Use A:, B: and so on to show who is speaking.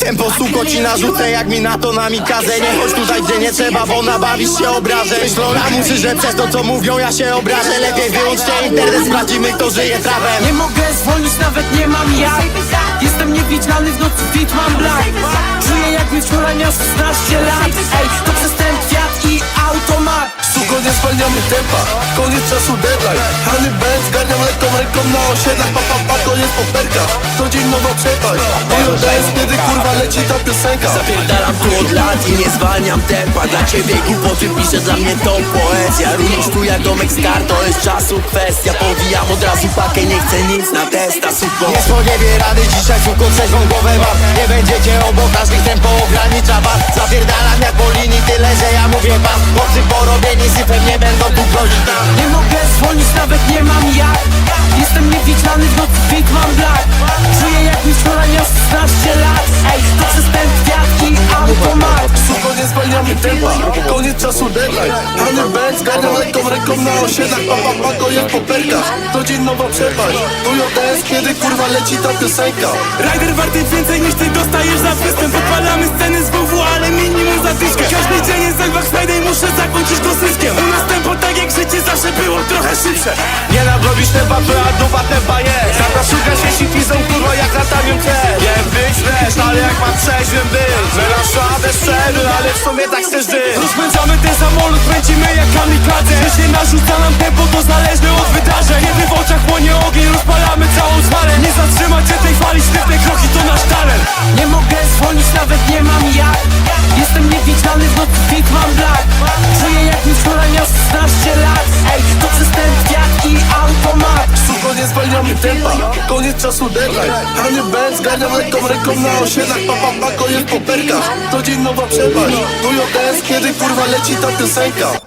A: tempo, suko ci narzucę, jak mi na to namikaze. Nie chodź tutaj, gdzie nie trzeba, bo nabawisz się obrażę. Myślą lamusy, że przez to co mówią ja się obrażę. Lepiej wyłączcie internet, sprawdzimy kto żyje trawem.
B: Nie mogę zwolnić, nawet nie mam jak. Jestem niewidzialny, w nocy fit mam black. Czuję jakby wczoraj miał 16 lat. Ej, to przez ten kwiat i automat.
C: Suko, nie zwalniamy tempa, koniec czasu deadline. Honey Benz, zgarniam lekką ręką na osiedlach. Pa, to jest poperka, to dzień nowa przepaść. Moją dance, kiedy kurwa leci ta piosenka.
D: Zapierdalam tu od lat i nie zwalniam tempa. Dla ciebie głupoty piszę, dla mnie to poezja. Również tu jak domek z kart, to jest czasu kwestia. Powijam od razu pakę, nie chcę nic na testa, suko.
A: Nie spodziewie rady dzisiaj, suko, trzeźwą głowę mam. Nie będziecie obok, każdy tempo ogranicza was. Zapierdalam jak po linii, tyle że ja mówię wam. Chłopcy porobieni syfem nie będą tu grozić nam.
B: Nie mogę zwolnić, nawet nie mam jak. Jestem niewidzialny, w nocy fit mam black. Czuję jakby wczoraj miał 16 lat. Ej, to przez ten kwiat i automat.
C: Suko, nie zwalniamy tempa, koniec czasu deadline. Honey Benz, zgarniam lekką ręką na osiedlach. Pa, to jest poperka, to dzień nowa przepaść. Moją dance, kiedy kurwa leci ta piosenka.
E: Rider warty więcej niż ty dostajesz za występ. Odpalamy sceny z WW, ale minimum za dyszkę. Każdy dzień jest jak Black Friday, muszę zakończyć go zyskiem. U nas tempo tak jak życie zawsze było trochę szybsze.
A: Nie nadrobisz tempa, a dupa tempa jest. Zawsze szukasz jeśli pizą, kurwa jak latanią cię. Wiem być fresh, ale jak mam trzeźwym być. Wyrasz słabe strzelby, ale w sumie tak chcesz żyć.
E: Rozpędzamy ten samolot, kręcimy jak kamikadze. Że się narzuca nam tempo, to zależne od wydarzeń. Kiedy w oczach płonie ogień, rozpalamy całą smalę. Nie zatrzymać się tej fali, sztywne kroki to nasz talent.
B: Nie mogę zwolnić, nawet nie mam jak. Jestem niewidzialny, w nocy fit mam black. Czuję jakby wczoraj miał 16 lat. Ej, to przez ten kwiat i automat.
C: Suko, nie zwalniamy tempa, koniec czasu deadline. Honey Benz, zgarniam lekką ręką na osiedlach. Pa, to jest poperka, to dzień nowa przepaść. Moją dance, kiedy kurwa leci ta piosenka.